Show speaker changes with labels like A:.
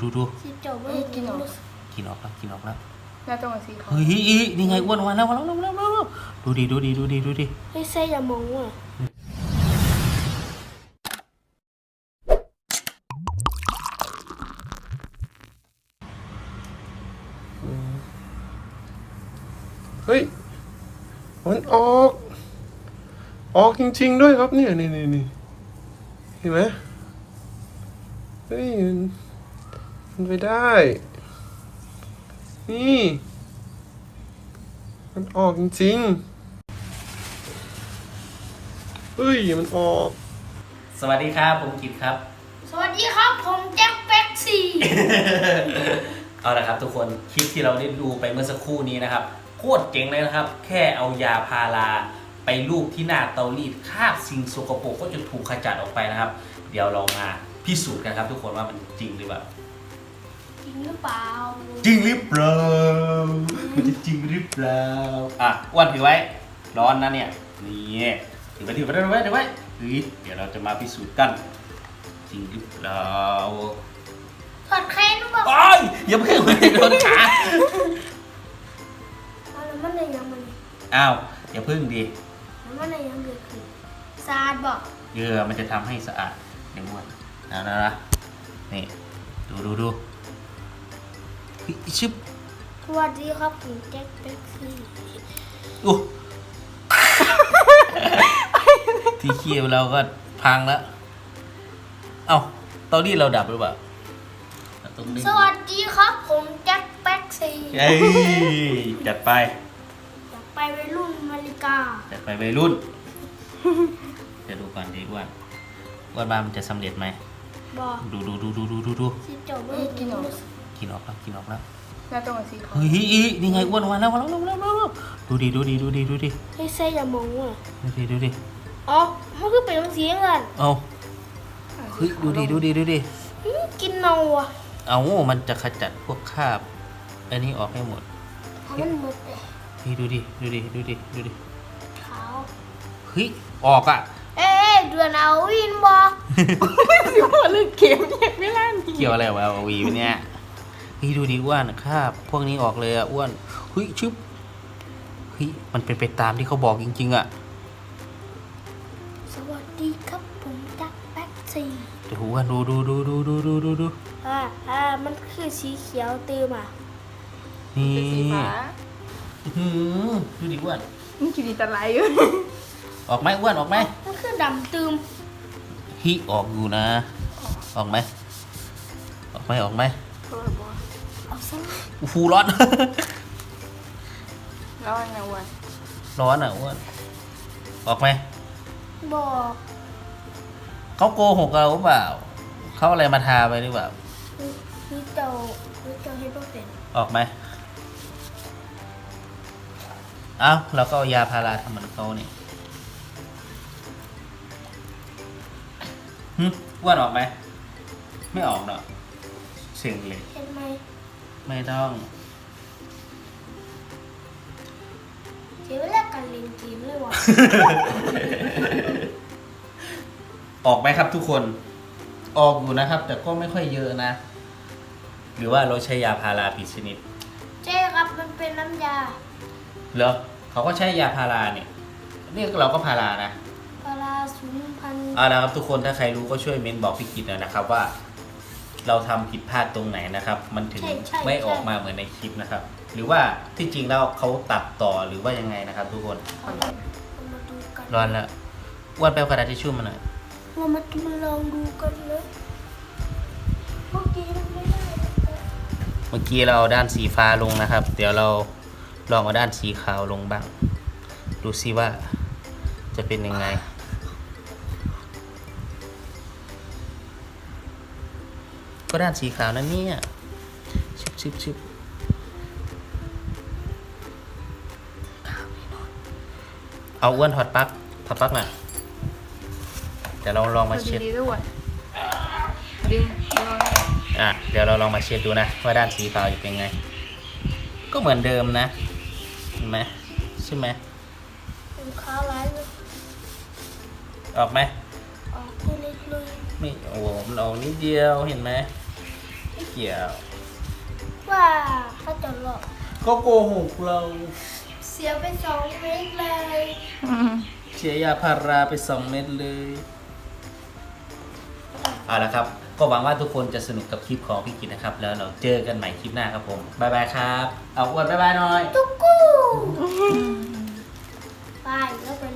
A: ดู
B: กินออก
A: กินออกแล้ว
B: น่าจะมาสีขาว
A: เฮ้ยนี่ไงอ้วนมาแล้วดูดิ
C: ไม่ใช่อย่ามองว่ะ
D: เฮ้ยมันออกจริงๆด้วยครับเนี่ยนี่เห็นไหมเฮ้ยมันไปได้ นี่มันออกจริงๆเฮ้ยมันออก
A: สวัสดีครับผมกิตครับ
C: สวัสดีครับผมแจ็คแป๊กซี่
A: เอาละครับทุกคนคลิปที่เราได้ดูไปเมื่อสักครู่นี้นะครับโคตรเจ๋งเลยนะครับแค่เอายาพาราไปลูบที่หน้าเตารีดคราบสิ่งสกปรกก็จะถูกขจัดออกไปนะครับเดี๋ยวเรามาพิสูจน์กันครับทุกคนว่ามันจริงหรือเปล่า
C: จริงหรือเปล่า
A: จริงหรือเปล่ามันจะจริงหรือเปล่าอ้วนถือไว้ร้อนนะเนี่ยนี่ถือไว้เฮ้ยเดี๋ยวเราจะมาพิสูจน์กันจริงหรือเปล่า
C: ถอดแค้นหรือเปล่า
A: โอ้ยอย่าเพิ่งไปโดนขา
C: แล้วมันอะไรยังมัน
A: อ้าวอย่าพึ่งดิ
C: แล้วมันอะไรยังเกิดขึ้นซาดบอก
A: เยื่อมันจะทำให้สะอาดอย่างนวดนะนี่ดูเฮ้ยชึบ
C: สวัสดีครับผมแจ็คแป๊กซี่
A: อู้ ที่เคียวเราก็พังแล้วเอ้าเตารีดเราดับหรือเปล่าต้องดึง
C: สวัสดีครับผมแจ็คแป๊กซี่
A: เอ้ยจัดไป
C: อยากไปวัยรุ่นอเมริกา
A: จัดไปวัยรุ่นจะดูก่อนดีว่าบ้านมันจะสำเร็จไหม
C: บอก
A: ดู
C: ที่เจ้าไม่
B: กินออก
A: กินออกแล้ว
B: น่าจะมาสีขาว
A: เฮ้ยนี่ไงอ้วนมาแล้วดูดิ
C: ไม่ใช่อย่ามองว่ะ
A: ดูดิ
C: อ๋อมันคือเป็นเสียงกัน
A: เอาเฮ้ยดูดิ
C: กินเนาอ่ะ
A: เอามันจะขจัดพวกคราบอันนี้ออกให้หมด
C: ทำมันหมดเลย
A: เฮ้ยดูดิ
C: ขาว
A: เฮ้ยออกอ่ะ
C: เอ๊ะเดือนเอาวินบอก
B: สิว่าเลือกเกมเนี่ยไม่ล่านี่
A: เกี่ยวอะไรวะเอาวีเนี่ยเฮ้ยดูดิอ้วนคราบพวกนี้ออกเลยอ่ะอ้วนเฮ้ยชึบเฮ้ยมันเป็นไปตามที่เขาบอกจริงๆอ่ะ
C: สวัสดีครับผมแจ็คแป๊กซี่
A: เดี๋ยวอ้วนดู
C: มันคือสีเขียวเติมอ่ะ
A: นี่
B: เป็นสีฟ้า
A: ดูดิอ้วน
B: มันกินดีแต่ไรอยู่
A: ออกไหมอ้วนออกไหม
C: มันคือดำตืม
A: ฮิออกอยู่นะออกไหม
B: โทษบัว
C: เอาซะ
A: ฟูร้อน
B: แล้วไงวัน
A: ร้อนอ่ะอ้วนออกไหม
C: บอก
A: เขาโกหกเราหรือเปล่าเขาอะไรมาทาไปหรือเปล่า
C: นี่เจ้าให้พ่อเป็น
A: ออกไหมเอ้าเราก็เอายาพาราทำเหมือนเขานี่อ้วนออกไหมไม่ออกหรอกเสียงเลย
C: เห็นไหม
A: ไม่ต้อง
C: เสียเวลาการเล่นเกมเลยว่ะ
A: ออกไหมครับทุกคนออกอยู่นะครับ แต่ก็ไม่ค่อยเยอะนะ หรือว่าเราใช้ยาพาราผิดชนิด
C: ใช่ครับมันเป็นน้ำยา
A: เหรอเขาก็ใช้ยาพาราเนี่ยนี่เราก็พารานะ
C: ปลาสูงพัน
A: เอาละครับทุกคนถ้าใครรู้ก็ช่วยเมนบอกพี่กิตหน่อยนะครับว่า เราทำผิดพลาดตรงไหนนะครับ มันถึงไม่ออกมาเหมือนในคลิปนะครับ หรือว่าที่จริงแล้วเขาตัดต่อหรือว่ายังไงนะครับ ทุกคน
C: เอามาดูกัน
A: ร้อนแล้วอ้วนไปเอากระดาษทิชชู่มาหน่อย
C: เรามาลองดูกันเลยเมื่อกี้มันไม่ได้
A: เมื่อกี้เราเอาด้านสีฟ้าลงนะครับ เดี๋ยวเราลองเอาด้านสีขาวลงบ้าง ดูซิว่าจะเป็นยังไงก็ด้านสีขาวนั่นเนี่ยชึบเอาอ้วนถอดปลั๊กหน่อยเดี๋ยวเราลองมาเช็ด
B: ดีด้วยดึง
A: เดี๋ยวเราลองมาเช็ดดูนะว่าด้านสีขาวจะเป็นไงก็เหมือนเดิมนะเห็นไหมใช่ไหม
C: เป็นขาวร้ายเลย
A: ออกไหม
C: ออกตัวเล็กเลย
A: ไม่โอ้โหมันออกนิดเดียวเห็นไหมไม่เกี่ยว
C: ว่าเขาจะหลอก
A: ก็โกหกเรา
C: เสียไป2 เม็ดเลย
A: เสียยาพาราไป2 เม็ดเลย เอาละครับ ก็หวังว่าทุกคนจะสนุกกับคลิปของพี่กิตนะครับ แล้วเราเจอกันใหม่คลิปหน้าครับผม บ๊ายบายครับ เอาอ้วนบ๊ายบายหน่อย
C: ตุ๊กกู้ไปแล้วไป